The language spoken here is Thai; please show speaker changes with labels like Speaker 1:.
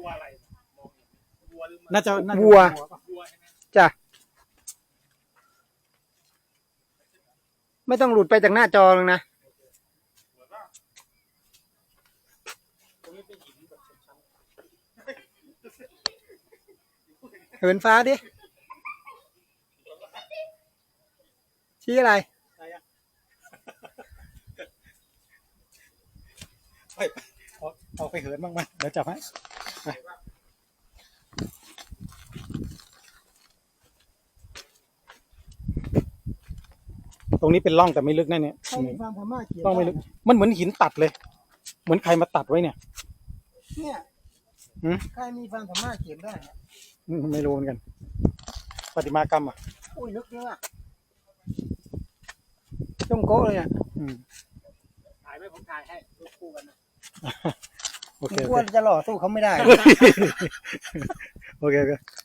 Speaker 1: ตัวอะไรมองวัวหรือ
Speaker 2: น่าจะ
Speaker 3: วัว
Speaker 1: วัวใช่ไหม
Speaker 3: จ้ะไม่ต้องหลุดไปจากหน้าจอเลยนะ
Speaker 1: ตรงนี้เป็นหินแบบชั้น
Speaker 3: เหินฟ้าดิ ชี้อะไร
Speaker 2: ใช่อะไปเอาไปเหินบ้างไหมเดี๋ยวจับให้ไปตรงนี้เป็นร่องแต่ไม่ลึกนะเนี่ย
Speaker 3: ใครมีความสามารถเขียน
Speaker 2: ร่องไม่ลึกมันเหมือนหินตัดเลย เหมือนใครมาตัดไว้เนี่ย
Speaker 3: เนี่ย
Speaker 2: หืม
Speaker 3: ใครมีความสามารถเขียนได้เนี่ย
Speaker 2: ไม่รู้เหมือนกันประติมากรรมอ่ะ
Speaker 3: อุ้ยลึกเยอะจ้องโก้เลยอ่ะ
Speaker 1: ถ่ายไหมผมถ่ายให้รูปคู่กันนะ
Speaker 2: โอเค
Speaker 3: กลัวจะหล่อสู้เขาไม่ได้
Speaker 2: โอเค